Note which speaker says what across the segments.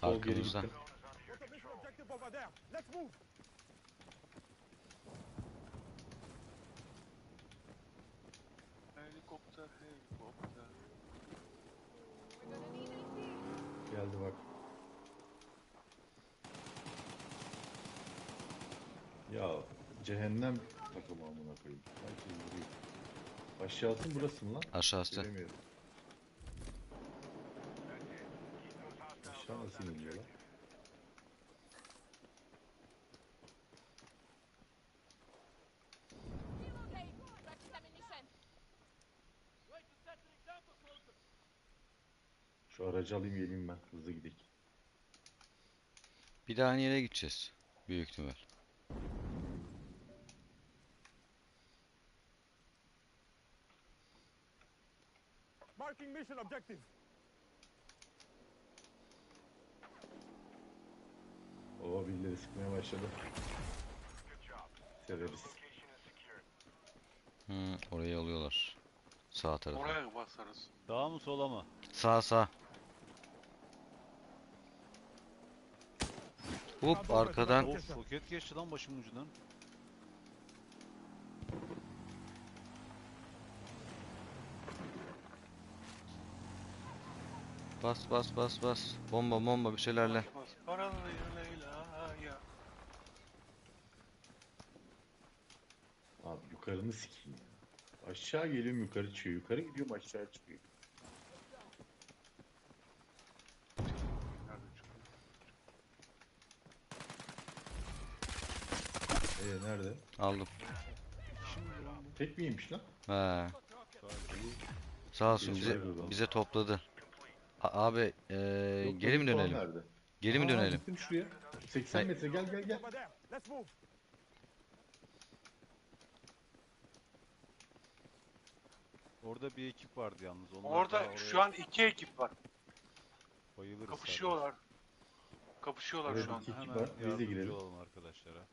Speaker 1: Sol geri
Speaker 2: Arkamızda.
Speaker 1: gittim.
Speaker 3: Helikopter, helikopter.
Speaker 1: Geldi bak. Ya cehennem takımı amına koyayım. Herkes vuruyor. Aşağısı mı burası mı lan?
Speaker 2: Aşağısı.
Speaker 1: Göremiyorum. Aşağı nasıl iniyor lan? Şu aracı alayım geleyim ben. Hızlı gidelim.
Speaker 2: Bir daha aynı yere gideceğiz. Büyük ihtimal.
Speaker 4: Marking mission objective.
Speaker 1: Oo birileri sıkmaya başladı. Severiz.
Speaker 2: Orayı alıyorlar. Sağ tarafa.
Speaker 3: Oraya basarız.
Speaker 5: Sağa mı sola mı?
Speaker 2: Sağ sağ. Hop arkadan.
Speaker 5: Of, roket geçti lan başımın ucundan.
Speaker 2: Bas bas bas bas. Bomba bomba bir şeylerle.
Speaker 3: Bas, paralı Leyla'ya.
Speaker 1: Abi yukarını sikeyim ya. Aşağı geliyorum yukarı çıkıyor. Yukarı gidiyorum aşağı çıkıyor.
Speaker 3: Nerede çıkıyor?
Speaker 1: Nerede?
Speaker 2: Aldım.
Speaker 1: Tek miymiş lan?
Speaker 2: He. Sağ olsun bize topladı. Abi
Speaker 1: Yok,
Speaker 2: geri mi
Speaker 1: falan
Speaker 2: dönelim?
Speaker 1: nerede?
Speaker 2: Geri mi dönelim?
Speaker 1: Gittim şuraya. 80
Speaker 2: Hayır.
Speaker 1: metre gel gel gel.
Speaker 4: Over there. Let's move.
Speaker 5: Orada bir ekip vardı yalnız. Onlar
Speaker 3: Orada
Speaker 5: daha oraya
Speaker 3: şu an 2 ekip var.
Speaker 5: bayılırız
Speaker 3: Kapışıyorlar. Kapışıyorlar
Speaker 1: Evet,
Speaker 3: şu an.
Speaker 1: iki-
Speaker 5: zaten.
Speaker 1: var.
Speaker 5: Hemen
Speaker 1: Biz de
Speaker 5: yardımcı
Speaker 1: girelim.
Speaker 5: olalım arkadaşlara.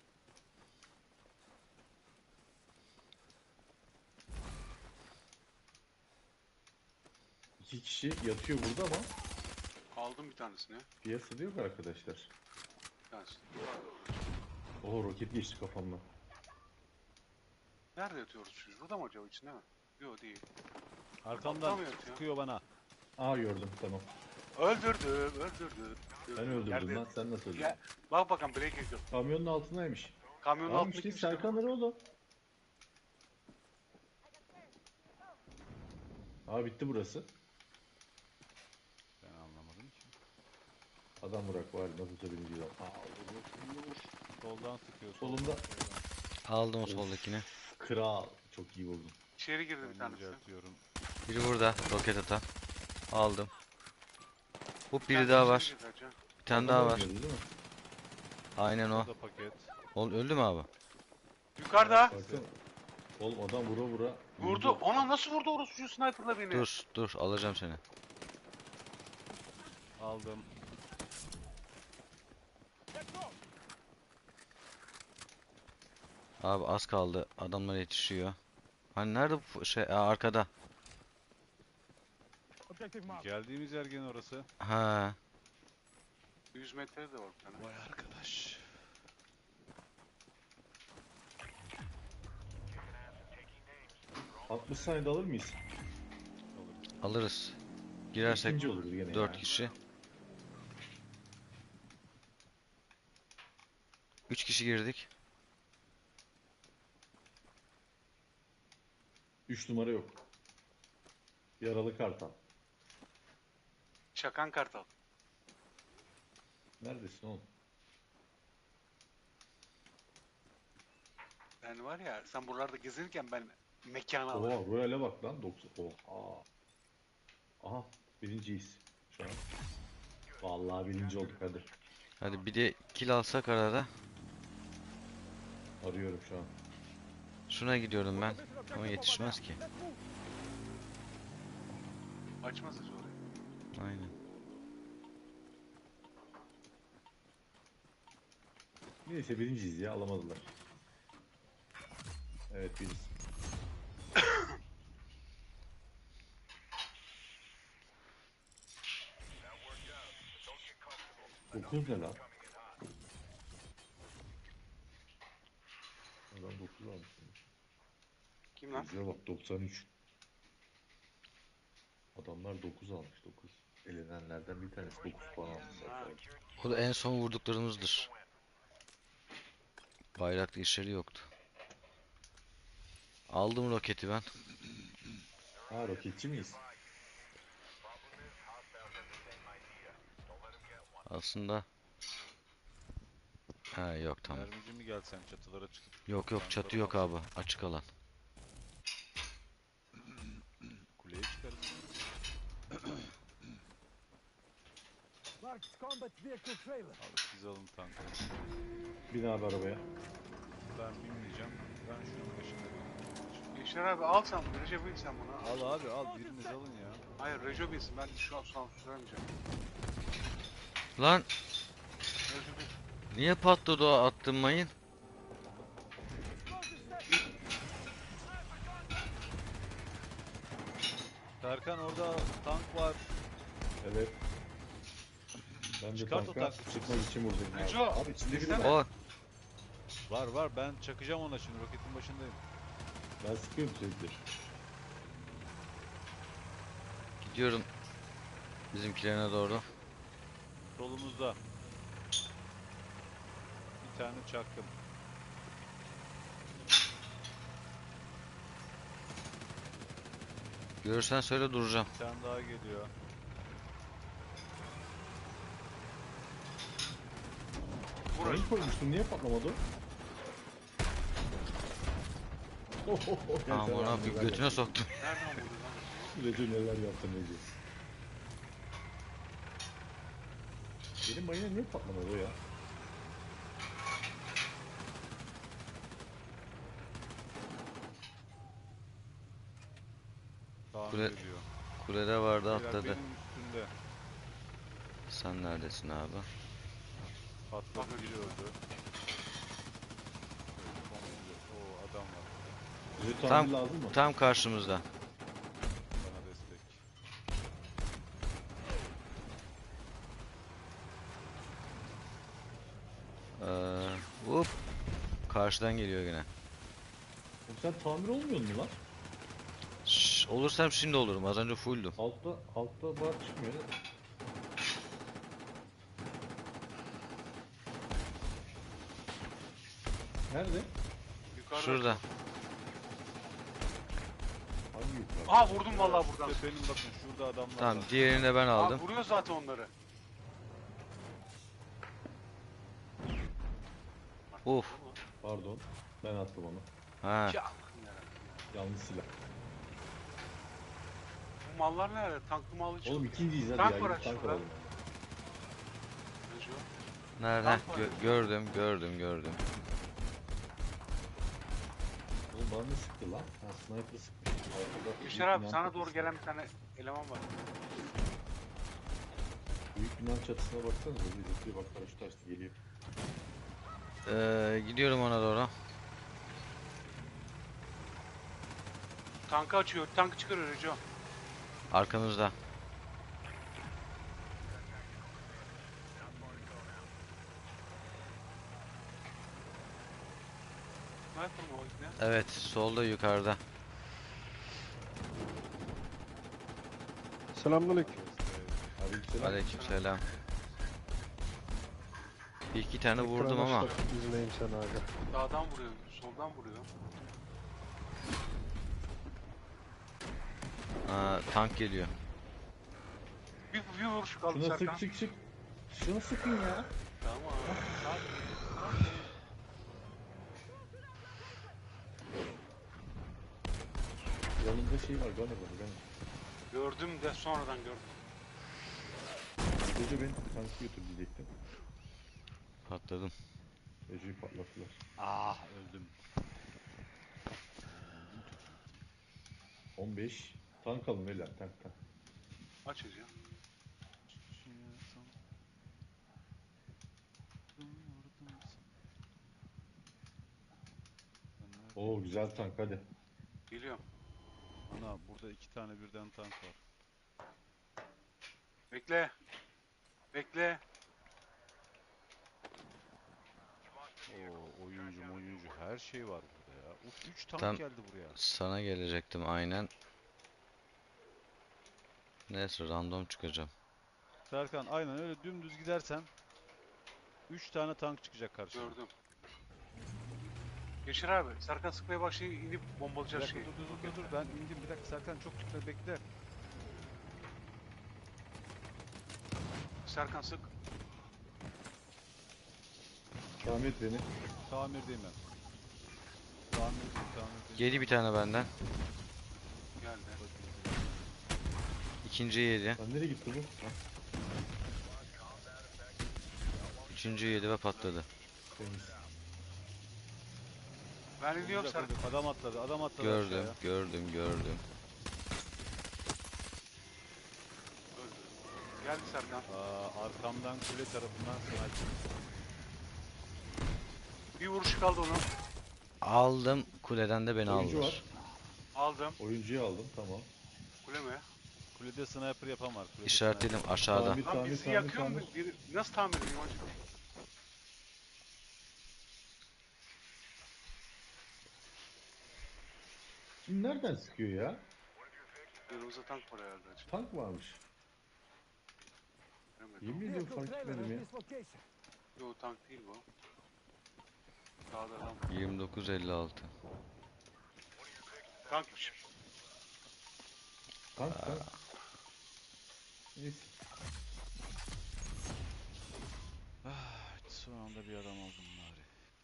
Speaker 1: İki kişi yatıyor burada ama
Speaker 3: Aldım bir tanesini.
Speaker 1: piyasada yok arkadaşlar.
Speaker 3: Bir tanesini.
Speaker 1: Oho roket geçti kafamdan.
Speaker 3: Nerede yatıyoruz biz? Burada mı acaba, içinde mi? Yok değil.
Speaker 5: Arkamdan
Speaker 3: Atlamıyor ya.
Speaker 5: sıkıyor bana.
Speaker 1: Aa gördüm tamam.
Speaker 3: Öldürdü.
Speaker 1: Ben öldürdüm
Speaker 3: Nerede?
Speaker 1: lan sen nasıl öldürdün?
Speaker 3: Ya, bak bakalım break yok.
Speaker 1: Kamyonun altındaymış.
Speaker 3: Kamyonun
Speaker 1: Tamam
Speaker 3: altında
Speaker 1: işte
Speaker 3: kimse yok.
Speaker 1: Serkan oğlum. Aa bitti burası.
Speaker 5: Ben anlamadım ki.
Speaker 1: Adam bırak var nasılsa birinci adam. Aa vur.
Speaker 5: Soldan sıkıyor.
Speaker 1: Solumda.
Speaker 2: Aldım o
Speaker 1: Of.
Speaker 2: soldakini.
Speaker 1: Kral. Çok iyi vurdun.
Speaker 3: İçeri girdi bir
Speaker 5: Ben
Speaker 3: tanesi.
Speaker 5: düzeltiyorum.
Speaker 2: Biri burada roket atan. Aldım. Hop
Speaker 3: Bir
Speaker 2: biri
Speaker 3: tanesi
Speaker 2: daha
Speaker 3: içeri
Speaker 2: var.
Speaker 3: girdi hacı.
Speaker 2: Bir tane
Speaker 1: Adam
Speaker 2: daha var.
Speaker 1: oynuyordu değil mi?
Speaker 2: Aynen o.
Speaker 5: Orada paket.
Speaker 2: Öldü mü abi?
Speaker 3: Yukarıda.
Speaker 1: Baksana. Oğlum adam vura vura.
Speaker 3: Vurdu. Ona nasıl vurdu orası şu sniper'la beni?
Speaker 2: Dur alacağım seni.
Speaker 5: Aldım.
Speaker 4: Let's go.
Speaker 2: Abi az kaldı. Adamlar yetişiyor. Hani nerede bu şey? Arkada.
Speaker 4: Objective marked.
Speaker 5: Geldiğimiz yer gene orası.
Speaker 2: Ha.
Speaker 3: 100 metre de var bir tane.
Speaker 5: Vay arkadaş.
Speaker 1: Vur. 60 saniyede alır mıyız?
Speaker 2: Alırız. Girersek
Speaker 1: İkinci oluruz gene
Speaker 2: 4
Speaker 1: ya.
Speaker 2: kişi. 3 kişi girdik.
Speaker 1: 3 numara yok. Yaralı kartal.
Speaker 3: Çakan Kartal.
Speaker 1: Neredesin oğlum?
Speaker 3: Ben var ya, sen buralarda gezinirken ben mekanı alırım.
Speaker 1: Oha Royal'e bak lan 90. Oha. Aha birinciyiz şu an. Vallahi birinci olduk hadi.
Speaker 2: Hadi bir de kill alsak arada.
Speaker 1: Arıyorum şu an.
Speaker 2: Şuna gidiyorum ben. Ama yetişmez ki.
Speaker 4: Let's move.
Speaker 3: Açmaz hiç orayı.
Speaker 2: Aynen.
Speaker 1: Neyse birinciyiz ya alamadılar. Evet biriz. 9 ne lan? Adam 9 almış.
Speaker 3: Kim lan?
Speaker 1: Yüzüğe bak 93. Adamlar 9 almış 9. Elenenlerden bir tanesi 9 puan almış zaten.
Speaker 2: O da en son vurduklarımızdır. Bayraklı işleri yoktu. Aldım roketi ben.
Speaker 1: Ha roketçi miyiz?
Speaker 2: Aslında. Ha yok tamam.
Speaker 5: Mermici mi gelsen çatılara çıkıp
Speaker 2: Yok yok çatı yok abi. Açık alan.
Speaker 5: kuleye çıkarız.
Speaker 4: Marked combat vehicle trailer.
Speaker 5: Abi siz alın tankı.
Speaker 1: Bin abi arabaya.
Speaker 5: Ben binmeyeceğim. Ben şunun başında.
Speaker 3: Yaşar abi al sen bunu. Recep bin sen bunu.
Speaker 5: Al abi al biriniz alın ya.
Speaker 3: Hayır Recep binsin. Ben şu an süremeyeceğim.
Speaker 2: Lan
Speaker 3: Recep bin.
Speaker 2: niye patladı o attığım mayın?
Speaker 5: Serkan orada tank var.
Speaker 1: Evet. Ben de
Speaker 5: Çıkart o
Speaker 1: tanka
Speaker 5: tankı.
Speaker 1: çıkmak için vurdum.
Speaker 3: Neco,
Speaker 1: Abi içinde biri
Speaker 3: desene.
Speaker 1: var.
Speaker 2: O
Speaker 5: Var ben çakacağım ona şimdi roketin başındayım.
Speaker 1: Ben sıkıyorum sürekli.
Speaker 2: gidiyorum bizimkilerine doğru.
Speaker 5: Solumuzda. Bir tane çaktım.
Speaker 2: Görürsen söyle duracağım.
Speaker 5: Bir tane daha geliyor.
Speaker 3: Vur
Speaker 1: Mayın
Speaker 3: Recep.
Speaker 1: koymuştum niye patlamadı?
Speaker 2: Aman abi götüne soktum.
Speaker 3: Nereden vurdun lan?
Speaker 1: Recep neler yaptın Recep. Benim mayına niye patlamadı o ya?
Speaker 5: Kaan
Speaker 2: Kule-
Speaker 5: geliyor.
Speaker 2: Kulede vardı
Speaker 5: Beyler,
Speaker 2: atladı.
Speaker 5: benim üstünde.
Speaker 2: Sen neredesin abi?
Speaker 5: Patladı biri öldü. O adam var.
Speaker 1: Bize
Speaker 2: Tam-
Speaker 1: tamir lazım mı?
Speaker 2: Tam karşımızda.
Speaker 5: Bana destek.
Speaker 2: Hop. Karşıdan geliyor gene.
Speaker 1: Oğlum sen tamir olmuyor mu lan?
Speaker 2: Şş, olursam şimdi olurum. Az önce fulldüm.
Speaker 1: Altta bar çıkmıyor ne? Nerede?
Speaker 3: Yukarıda.
Speaker 2: Şurada.
Speaker 1: Hangi yukarı?
Speaker 3: Aha vurdum vallahi buradan.
Speaker 5: İşte benim bakın şurada adamlar
Speaker 2: Tamam
Speaker 5: var.
Speaker 2: diğerini de ben
Speaker 3: Aa,
Speaker 2: aldım.
Speaker 3: vuruyor zaten onları.
Speaker 2: Uf.
Speaker 1: Pardon. Ben attım onu.
Speaker 2: Ha.
Speaker 3: Ya, yarabbim.
Speaker 1: Yanlış silah.
Speaker 3: Bu mallar nerede? Tanklı mal için.
Speaker 1: Oğlum ikinciyiz hadi
Speaker 3: Tank
Speaker 1: ya.
Speaker 3: var
Speaker 1: Gidip
Speaker 3: aç
Speaker 1: tank
Speaker 3: şurada.
Speaker 1: alalım.
Speaker 3: Recep.
Speaker 2: Nerede?
Speaker 3: Tank var.
Speaker 2: Gördüm.
Speaker 1: Oğlum bana ne sıktı lan? Ha sniper sıkmış. Arkada
Speaker 3: Yaşar
Speaker 1: büyük
Speaker 3: abi
Speaker 1: binanın
Speaker 3: sana
Speaker 1: çatısına-
Speaker 3: doğru gelen bir tane eleman var.
Speaker 1: Büyük binanın çatısına baksanıza. Bir bak paraşüt açtı geliyor.
Speaker 2: Gidiyorum ona doğru.
Speaker 3: Tankı açıyor. Tankı çıkarıyor Recep.
Speaker 2: Arkamızda.
Speaker 3: Ne yapalım o ikne?
Speaker 2: Evet solda yukarıda.
Speaker 6: Selamünaleyküm.
Speaker 1: Aleykümselam.
Speaker 2: Aleykümselam. Bir iki tane vurdum ama.
Speaker 6: İzleyeyim seni abi.
Speaker 3: Sağdan vuruyor. Soldan vuruyor.
Speaker 2: Tank geliyor.
Speaker 3: Bir vuruş kaldı
Speaker 1: Şuna
Speaker 3: Serkan.
Speaker 1: sık. Şuna sıkın ya.
Speaker 3: Tamam.
Speaker 1: Yanında şey var görmedim ben.
Speaker 3: Gördüm de sonradan gördüm.
Speaker 1: Gece beni tankı götür diyecektim.
Speaker 2: Patladım.
Speaker 1: Ece'yi patlattılar.
Speaker 5: Ah öldüm.
Speaker 1: 15. Tank alın beyler tank.
Speaker 3: Aç Recep.
Speaker 1: Oo güzel tank hadi.
Speaker 3: Geliyorum.
Speaker 5: Ana burada iki tane birden tank var.
Speaker 3: Bekle. Bekle.
Speaker 5: Her şey var burada ya. Uf 3 tank
Speaker 2: Tam
Speaker 5: geldi buraya.
Speaker 2: sana gelecektim aynen. Neyse random çıkacağım.
Speaker 5: Serkan aynen öyle dümdüz gidersen 3 tane tank çıkacak karşına.
Speaker 3: Gördüm. Yaşar abi, Serkan sıkmaya başlayınca inip
Speaker 5: Bir
Speaker 3: bombalayacağız
Speaker 5: dakika
Speaker 3: şeyi.
Speaker 5: dur ben indim bir dakika Serkan çok gitme bekle.
Speaker 3: Serkan sık.
Speaker 1: Tamir et beni.
Speaker 5: Tamirdeyim ben. Tamirdeyim.
Speaker 2: Yedi bir tane benden.
Speaker 3: Geldi.
Speaker 2: İkinciyi yedi.
Speaker 1: Lan nereye gitti bu? Ha,
Speaker 2: Üçüncüyü yedi ve patladı.
Speaker 1: temiz.
Speaker 3: Ben iniyorum Serkan.
Speaker 5: Adam atladı
Speaker 2: Gördüm,
Speaker 5: aşağıya.
Speaker 2: gördüm.
Speaker 3: Öldü. Geldi Serkan.
Speaker 5: Arkamdan kule tarafından sniper.
Speaker 3: Bir vuruş kaldı onun.
Speaker 2: Aldım. Kuleden de beni
Speaker 1: Oyuncu
Speaker 2: aldılar.
Speaker 1: var.
Speaker 3: Aldım.
Speaker 1: Oyuncuyu aldım, tamam.
Speaker 3: Kule mi?
Speaker 5: Kulede sniper yapan var. Kulede
Speaker 2: İşaretledim aşağıda.
Speaker 1: Tamir,
Speaker 3: Lan
Speaker 1: tamir,
Speaker 3: bizi
Speaker 1: tamir,
Speaker 3: yakıyor mu?
Speaker 1: tamir.
Speaker 3: Biri... Nasıl tamir edeyim acaba?
Speaker 1: Şimdi nereden sıkıyor ya?
Speaker 3: Yanımızda tank var herhalde. acaba.
Speaker 1: Tank varmış.
Speaker 3: Bilemedim.
Speaker 1: Yemin ediyorum
Speaker 4: Vehicle
Speaker 1: fark
Speaker 4: trailer
Speaker 1: etmedim
Speaker 4: at
Speaker 1: ya.
Speaker 4: this location.
Speaker 3: Yo tank değil bu. Sağda adam.
Speaker 2: 2956.
Speaker 3: Tankmış.
Speaker 1: Tank, tank. Neyse.
Speaker 5: Son anda bir adam aldım bari.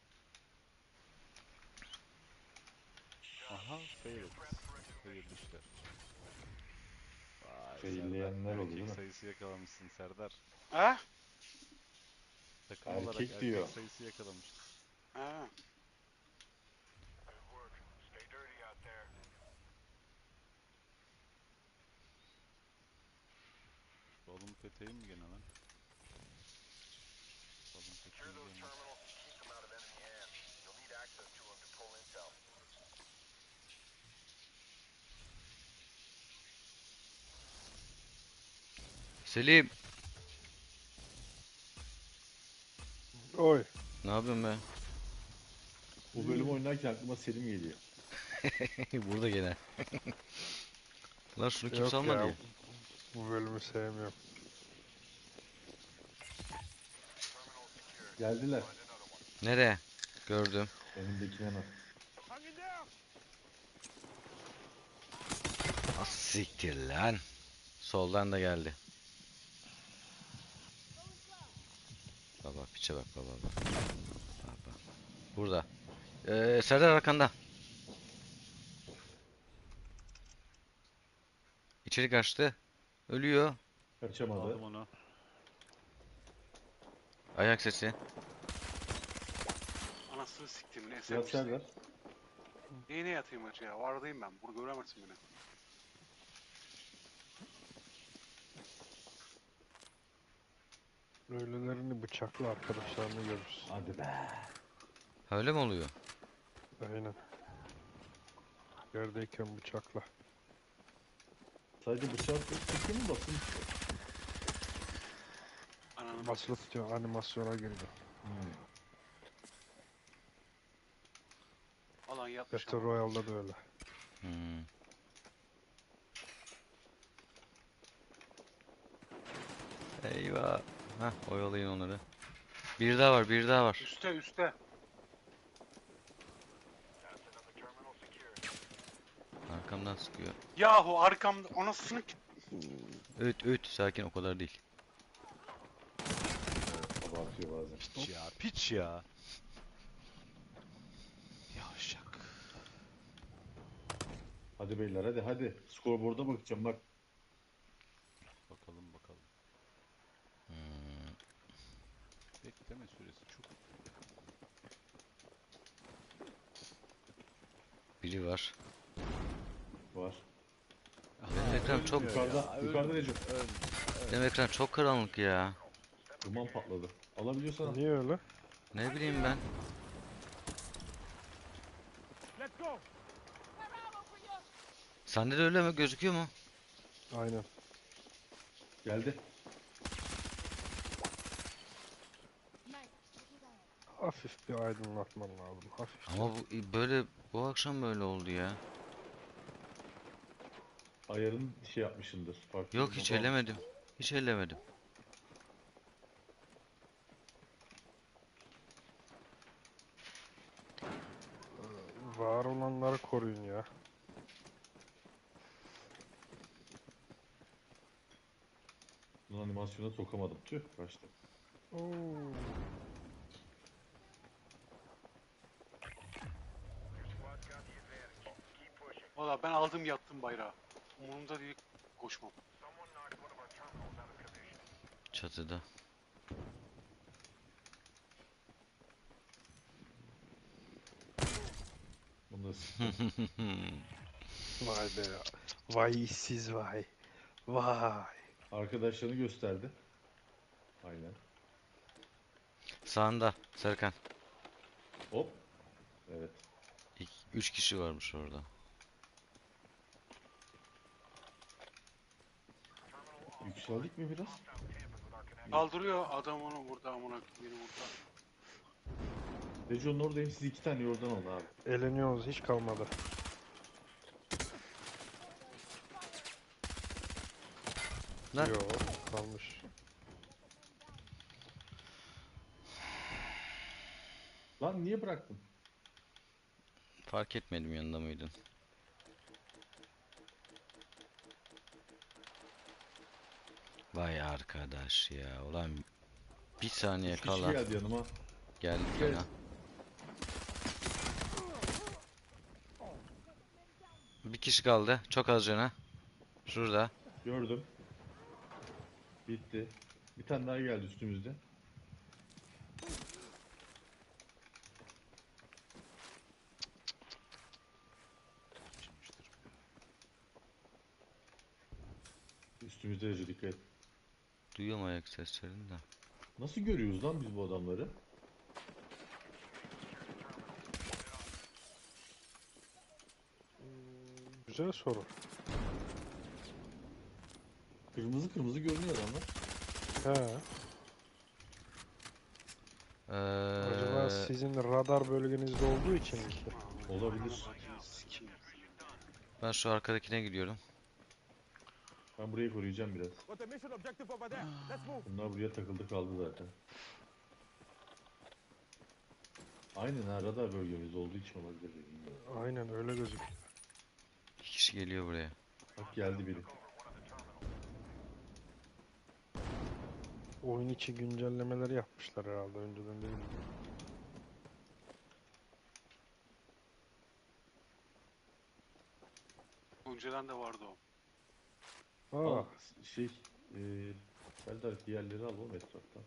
Speaker 5: Aha failed. Failed işler. Vay
Speaker 1: Failleyenler
Speaker 5: Serdar,
Speaker 1: oldu, değil mi?
Speaker 5: erkek sayısı yakalamışsın Serdar.
Speaker 3: Ha?
Speaker 5: Takım
Speaker 1: Erkek
Speaker 5: olarak erkek
Speaker 1: diyor.
Speaker 5: sayısı yakalamıştın.
Speaker 3: Ha.
Speaker 5: Balon peteği mi gene lan? Balon peteği mi gene?
Speaker 2: Selim,
Speaker 6: Oy.
Speaker 2: ne yapıyorsun be?
Speaker 1: Bu bölüm oynarken aklıma Selim geliyor.
Speaker 2: Burada gene. Lan şunu
Speaker 6: Yok
Speaker 2: kimse almadı
Speaker 6: ya.
Speaker 2: ya.
Speaker 6: Bu bölümü sevmiyorum.
Speaker 1: Geldiler.
Speaker 2: Nereye? Gördüm.
Speaker 1: Önümdekine bak.
Speaker 4: Hang in there.
Speaker 2: Az siktir lan. Soldan da geldi. Baba piçe bak baba. Baba. Burada. Serdar arkanda. İçeri kaçtı. Ölüyor.
Speaker 1: Kaçamadı.
Speaker 5: Aldım onu.
Speaker 2: Ayak sesi.
Speaker 3: Anasını siktim. Ne
Speaker 1: Yat
Speaker 3: esermiş.
Speaker 1: Serdar.
Speaker 3: Neyine yatayım acı ya? Vardayım ben. Burada göremezsin beni.
Speaker 6: Ölülerini bıçakla arkadaşlarını görürsün.
Speaker 1: Hadi be.
Speaker 2: Öyle mi oluyor?
Speaker 6: Aynen. Yerdeyken bıçakla.
Speaker 1: Sadece bıçak sıkıyor mu basın?
Speaker 3: Ananı
Speaker 6: Basılı tutuyor, animasyona girdi.
Speaker 3: Alan yatmış
Speaker 6: Battle
Speaker 3: ama.
Speaker 6: Royale'da da öyle.
Speaker 2: Hmm. Eyvah. Hah oyalayın onları. Bir daha var, bir daha var.
Speaker 3: Üste üste.
Speaker 2: Arkamdan sıkıyor.
Speaker 3: Yahu arkamda anasını
Speaker 2: Öt, sakin o kadar değil.
Speaker 1: Abartıyor bazen.
Speaker 5: Piç ya, piç ya. Yavşak.
Speaker 1: Hadi beyler hadi hadi. Skorboard'a bakacağım bak.
Speaker 5: Bakalım.
Speaker 2: Hmm.
Speaker 5: Bekleme süresi çok.
Speaker 2: Biri var.
Speaker 1: Var.
Speaker 2: Benim ekran çok
Speaker 1: Yukarıda, yukarıda Recep.
Speaker 2: benim ekran çok karanlık ya.
Speaker 1: Duman patladı. Alabiliyorsan al.
Speaker 6: Niye öyle?
Speaker 2: Ne bileyim ben.
Speaker 4: Let's go.
Speaker 2: Sende de öyle mi gözüküyor mu?
Speaker 6: Aynen.
Speaker 1: Geldi.
Speaker 6: Hafif bir aydınlatman lazım. Hafif.
Speaker 2: Ama bu akşam böyle oldu ya.
Speaker 1: Ayarın şey yapmışındır. Farklı
Speaker 2: Yok
Speaker 1: bir
Speaker 2: hiç
Speaker 1: moda almışsın.
Speaker 2: ellemedim. Hiç ellemedim.
Speaker 6: Var olanları koruyun ya.
Speaker 1: Bunun animasyona sokamadım. Tüh kaçtı.
Speaker 6: Oo.
Speaker 3: Valla ben aldım yattım bayrağı. Umurumda değil koşmam.
Speaker 2: Çatıda.
Speaker 1: Bunu da sıktım.
Speaker 6: Vay be ya. Vay işsiz vay. Vay.
Speaker 1: Arkadaşlarını gösterdi. Aynen.
Speaker 2: Sağında Serkan.
Speaker 1: Hop. Evet.
Speaker 2: 3 kişi varmış orada.
Speaker 1: Yükseldik mi biraz?
Speaker 3: Kaldırıyor adam onu burada amına beni burada.
Speaker 1: Dejon'un oradayım. Siz 2 tane yordan alın abi.
Speaker 6: Eğleniyoruz hiç kalmadı.
Speaker 2: Lan.
Speaker 6: Yo kalmış.
Speaker 1: Lan niye bıraktın?
Speaker 2: Fark etmedim yanında mıydın? Vay arkadaş ya. Ulan bir saniye
Speaker 1: 3 kişi
Speaker 2: kala
Speaker 1: geldi yanıma.
Speaker 2: geldi
Speaker 1: Evet.
Speaker 2: fena. Bir kişi kaldı. Çok az cana. Şurada.
Speaker 1: Gördüm. Bitti. Bir tane daha geldi üstümüzde. Üstümüzde Recep dikkat et.
Speaker 2: Duyuyorum ayak seslerini de.
Speaker 1: Nasıl görüyoruz lan biz bu adamları?
Speaker 6: Güzel soru.
Speaker 1: Kırmızı kırmızı görünüyor adamlar.
Speaker 6: He. Acaba
Speaker 2: Ee,
Speaker 6: sizin radar bölgenizde olduğu için mi ki?
Speaker 1: Olabilir.
Speaker 3: Sikim.
Speaker 2: ben şu arkadakine gidiyorum.
Speaker 1: Ben burayı koruyacağım biraz.
Speaker 4: Got a mission objective over there. Let's move.
Speaker 1: Bunlar buraya takıldı kaldı zaten. Aynen ha, radar bölgemiz olduğu için olabilir. Bilmiyorum.
Speaker 6: Aynen öyle gözüküyor.
Speaker 2: 2 kişi geliyor buraya.
Speaker 1: Bak geldi biri.
Speaker 6: Oyun içi güncellemeleri yapmışlar herhalde önceden değil mi?
Speaker 3: Önceden de vardı o.
Speaker 6: Aa,
Speaker 1: Al şey Serdar diğerleri al oğlum etraftan.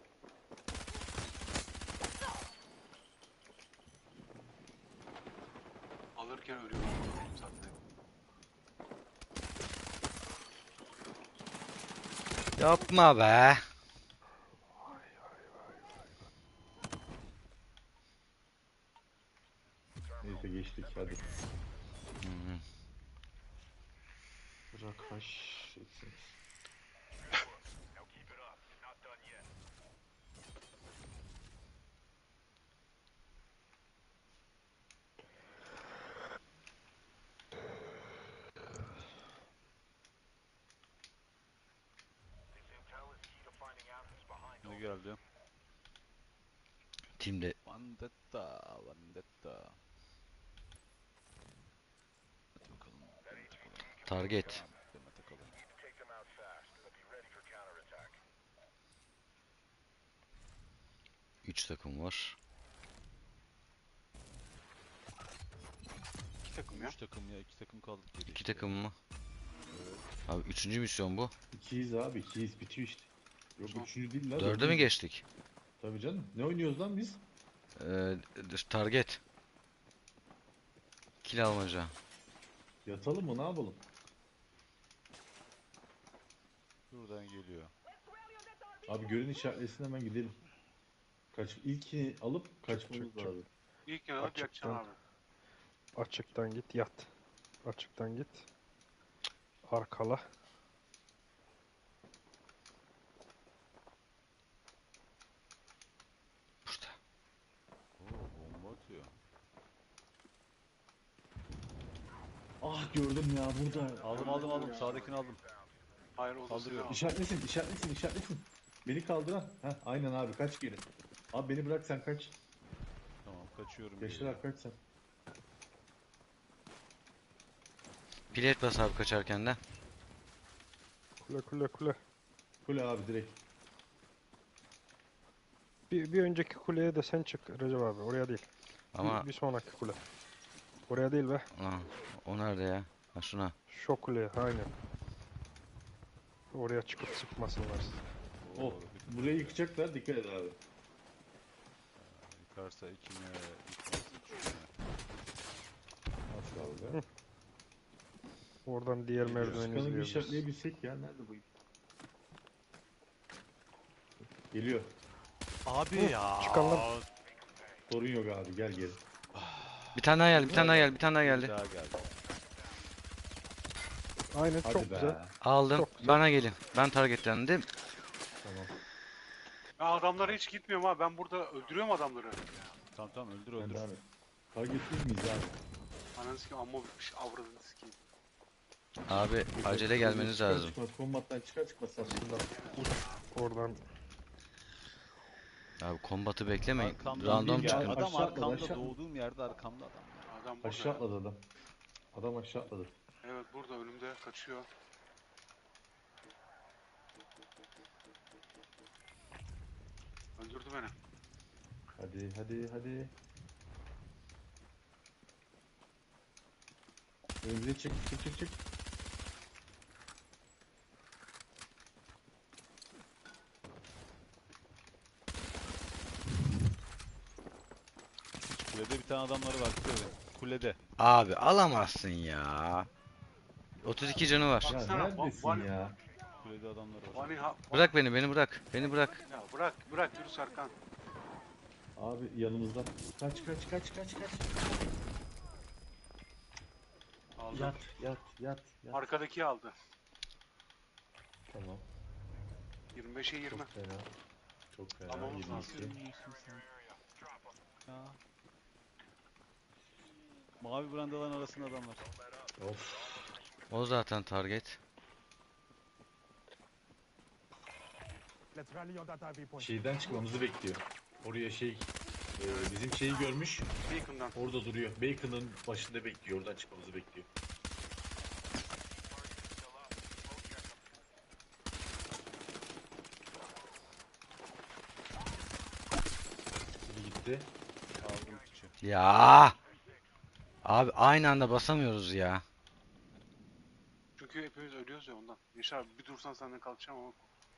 Speaker 3: Alırken ölüyorum zaten.
Speaker 2: Yapma be.
Speaker 1: Neyse geçtik hadi.
Speaker 2: Hı.
Speaker 1: Bırak haş etsiniz.
Speaker 5: Ne geldi?
Speaker 2: Timde
Speaker 5: Vendetta, Vendetta. Hadi bakalım.
Speaker 2: target.
Speaker 5: Demet Akalın.
Speaker 2: 3 takım var.
Speaker 3: 2 takım ya.
Speaker 5: 3 takım ya, 2 takım kaldık geri
Speaker 2: 2
Speaker 5: işte.
Speaker 2: takım mı? Abi 3. misyon bu.
Speaker 1: İkiyiz abi, ikiyiz bitiyor işte. Yok
Speaker 3: Tamam.
Speaker 1: üçüncü değil lan.
Speaker 2: 4'e mi
Speaker 1: dördüncü.
Speaker 2: geçtik?
Speaker 1: Tabii canım. Ne oynuyoruz lan biz?
Speaker 2: Target. Kill almaca.
Speaker 1: Yatalım mı ne yapalım?
Speaker 5: Buradan geliyor.
Speaker 1: Abi görün işaretlesin hemen gidelim. İlkini alıp kaçmamız
Speaker 6: Çık, çık.
Speaker 1: lazım.
Speaker 3: İlk yana bir
Speaker 6: Açıktan.
Speaker 3: yakacaksın abi.
Speaker 6: açıktan git yat. Açıktan git. Arkala.
Speaker 2: Burada.
Speaker 1: gördüm ya burada.
Speaker 5: Aldım. Sağdakini aldım.
Speaker 3: Hayır o da
Speaker 5: Kaldırıyorum.
Speaker 3: seni
Speaker 1: İşaretlesin. Beni kaldıran. Heh, aynen abi kaç geri. Abi beni bırak sen kaç.
Speaker 5: Tamam kaçıyorum.
Speaker 1: Yaşar
Speaker 5: geriye.
Speaker 1: abi kaç sen.
Speaker 2: Bilet bas abi kaçarken de.
Speaker 6: Kule.
Speaker 1: Kule abi direkt.
Speaker 6: Bir önceki kuleye de sen çık Recep abi. Oraya değil.
Speaker 2: Ama
Speaker 6: Bir sonraki kule. Oraya değil be.
Speaker 2: Aa, o nerede ya? Ha şuna.
Speaker 6: Şu kuleye aynen. Oraya çıkıp sıkmasınlar sizi.
Speaker 5: Oo,
Speaker 1: Oh, burayı yıkacaklar dikkat et abi.
Speaker 5: yıkarsa ikine, yıkmazsa üçüne.
Speaker 1: Az kaldı.
Speaker 6: Oradan diğer merdiveni
Speaker 1: Çıkanı bir
Speaker 6: izleyebiliriz.
Speaker 1: işaretleyebilsek ya. Nerede bu? Geliyor.
Speaker 5: Abi
Speaker 6: Hı,
Speaker 5: ya.
Speaker 6: çıkan lan.
Speaker 1: Sorun yok abi gel geri.
Speaker 2: Bir tane daha geldi, bir tane daha geldi, bir tane daha
Speaker 5: Bir
Speaker 2: geldi.
Speaker 5: daha geldi.
Speaker 6: Aynen
Speaker 1: Hadi
Speaker 6: çok
Speaker 1: be.
Speaker 6: güzel.
Speaker 2: Aldım.
Speaker 6: Çok güzel.
Speaker 2: Bana gelin. Ben targetlendim.
Speaker 1: Tamam.
Speaker 3: Ben adamlara hiç gitmiyorum ha. Ben burada öldürüyorum adamları.
Speaker 5: Tamam öldür
Speaker 1: Ben
Speaker 5: öldür.
Speaker 1: devam et. Targetsiz miyiz abi?
Speaker 3: Ananı sikeyim amma bitmiş avradını sikeyim.
Speaker 2: Abi acele gelmeniz
Speaker 1: Çıkar
Speaker 2: lazım.
Speaker 1: Çıkmaz, kombattan çıkmaz aslında.
Speaker 6: Oradan
Speaker 2: Abi kombatı beklemeyin.
Speaker 5: Arkamdan
Speaker 2: Random
Speaker 5: bir
Speaker 2: çıkın.
Speaker 5: gel. Adam
Speaker 1: Aşağı atladı,
Speaker 5: arkamda
Speaker 1: aşağı.
Speaker 5: doğduğum yerde arkamda adam ya.
Speaker 3: Adam burada.
Speaker 1: Aşağı atladı adam. Adam aşağı atladı.
Speaker 3: Evet burada önümde kaçıyor. Öldürdü beni.
Speaker 1: Hadi. Önümüze çık.
Speaker 5: Kulede bir tane adamları var. Kulede.
Speaker 2: Abi alamazsın ya. 32 canı var.
Speaker 1: Ya
Speaker 3: Baksana,
Speaker 1: neredesin
Speaker 3: var-
Speaker 1: ya?
Speaker 5: Kulede adamları var.
Speaker 3: Vani ha.
Speaker 2: Bırak beni bırak. Beni bırak.
Speaker 3: Ya bırak yürü Serkan.
Speaker 1: Abi yanımızda. Kaç.
Speaker 3: Aldım.
Speaker 1: Yat.
Speaker 3: Arkadaki aldı.
Speaker 1: Tamam.
Speaker 3: 25'e 20.
Speaker 1: Çok fena.
Speaker 3: Almamız lazım.
Speaker 1: 22.
Speaker 5: Ya. Mavi brandaların arasında adamlar.
Speaker 1: Of.
Speaker 2: O zaten target.
Speaker 4: Let's rally on that IV point.
Speaker 1: Şeyden çıkmamızı bekliyor. Oraya bizim şeyi görmüş.
Speaker 3: Beacon'dan.
Speaker 1: Orada duruyor. Bacon'ın başında bekliyor. Oradan çıkmamızı bekliyor. Biri gitti.
Speaker 5: Aldım piçi.
Speaker 2: Ya. Abi aynı anda basamıyoruz ya.
Speaker 3: Çünkü hepimiz ölüyoruz ya ondan. Yaşar abi bir dursan senden kalkacağım ama.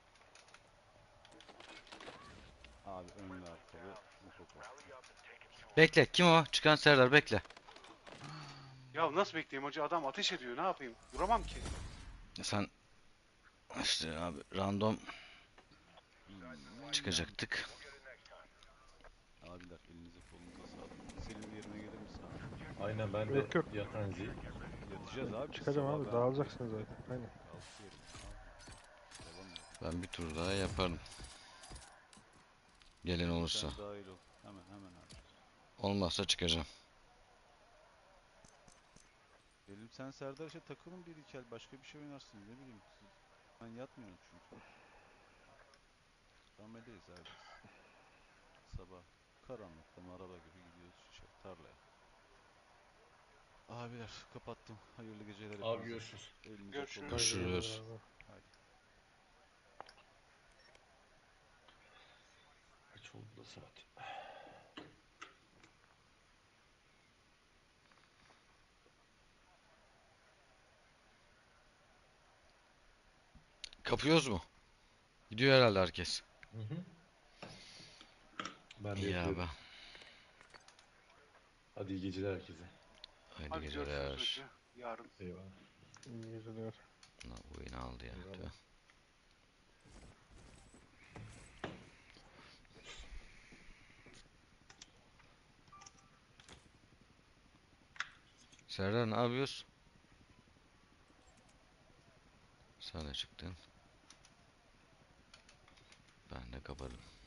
Speaker 5: Abi önlü arkalı. Mutlu.
Speaker 2: Bekle. Kim o? Çıkan Serdar bekle.
Speaker 3: Ya nasıl bekleyeyim hacı adam ateş ediyor ne yapayım? Duramam ki.
Speaker 2: Sen işte abi random çıkacaktık.
Speaker 5: Abiler elinize kolunuza sağlık. Senin yerine gelir misin abi?
Speaker 1: Aynen ben de
Speaker 6: Yok.
Speaker 1: yatan zil.
Speaker 5: Yatacağız abi.
Speaker 6: çıkacağım
Speaker 5: Sabah
Speaker 6: abi.
Speaker 5: ben-
Speaker 6: Dağılacaksınız zaten. Aynen.
Speaker 5: Kalkıyorum. Devam et.
Speaker 2: Ben bir tur daha yaparım. Gelen olursa.
Speaker 5: Sen dahil ol. Hemen abi.
Speaker 2: Olmazsa çıkacağım.
Speaker 5: Benim sen Serdar işte takılın bir iki el başka bir şey oynarsın ne bileyim. Ben yatmıyorum çünkü. Ameleyiz abi biz. Sabah karanlıkta araba gibi gidiyoruz tarlaya. Abiler kapattım. Hayırlı geceler.
Speaker 1: Abi
Speaker 5: hepinize.
Speaker 1: görüşürüz.
Speaker 5: Elinize
Speaker 3: Görüşürüz.
Speaker 5: kolunuza
Speaker 2: Görüşürüz.
Speaker 1: Kaç oldu da saat?
Speaker 2: Kapıyoruz mu? Gidiyor herhalde herkes.
Speaker 1: Hı hı. Ben de
Speaker 2: İyi
Speaker 1: yapıyorum.
Speaker 2: abi.
Speaker 1: Hadi iyi geceler herkese.
Speaker 2: Haydi
Speaker 3: Hadi görüşürüz
Speaker 2: geceler.
Speaker 3: hacı. Yarın.
Speaker 1: Eyvallah.
Speaker 6: İyi geceler.
Speaker 2: Lan bu oyunu aldı ya.
Speaker 1: Eyvallah.
Speaker 2: Tüh. Serdar ne yapıyorsun? Sen de çıktın. Ben de kapadım.